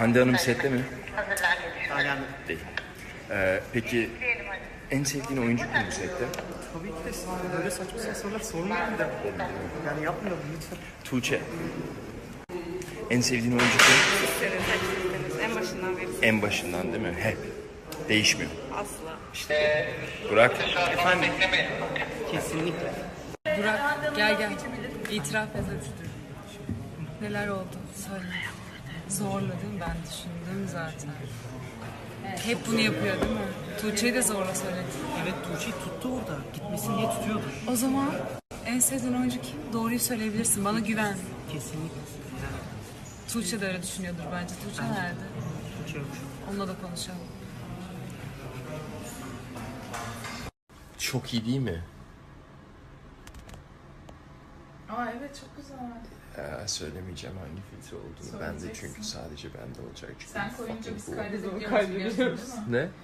Hande Hanım sette mi? Hala Değil. Peki en sevdiğin oyuncu kim bu sette? tabii ki de böyle saçma sapan sorular sormayın da. Yani yapmayalım lütfen. Tuğçe. En sevdiğin oyuncu kim? En başından beri En başından değil mi? Hep. Değişmiyor. asla. Burak. Efendim? Kesinlikle. Burak gel. İtiraf et hadi. Neler oldu? Söyle. Zorladım ben düşündüm zaten. Hep bunu yapıyor değil mi? Tuğçe'yi de zorla söyledi. Evet, Tuğçe'yi tuttu orada. Gitmesin diye tutuyordu. O zaman en sevdiğin oyuncu kim? Doğruyu söyleyebilirsin. Bana güven. Kesinlikle. Yani Tuğçe de öyle düşünüyordur bence. Tuğçe nerede? Tuğçe yok. Onunla da konuşalım. Çok iyi değil mi? Aa evet çok güzel. Söylemeyeceğim hangi filtre olduğunu. Ben de Söyleyeceksin. çünkü sadece bende olacak. Çünkü Sen koyunca biz bu- kaydediyoruz değil mi? Ne?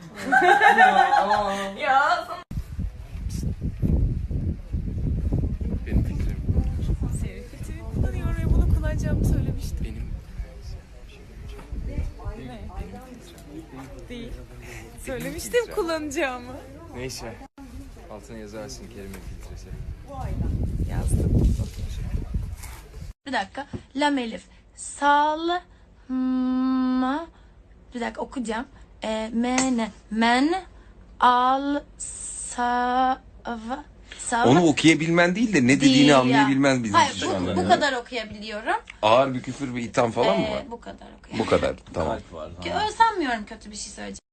Ya Benim fikrim. Senin filtreyi kullanıyor ve bunu kullanacağımı söylemiştim. Benim Değil. Söylemiştim kullanacağımı. neyse. Altına yazarsın kelime filtresi. Yazdım. Bir dakika. Lam elif. Sal ma. Bir dakika okuyacağım. Men. Men. Al. Sav. Onu okuyabilmen değil de ne dediğini Değil ya. anlayabilmen bizim Hayır şu anda. bu kadar okuyabiliyorum. Ağır bir küfür ve itham falan mı var? Bu kadar okuyabiliyorum. Bu kadar. Tamam. Sanmıyorum kötü bir şey söyleyeceğim.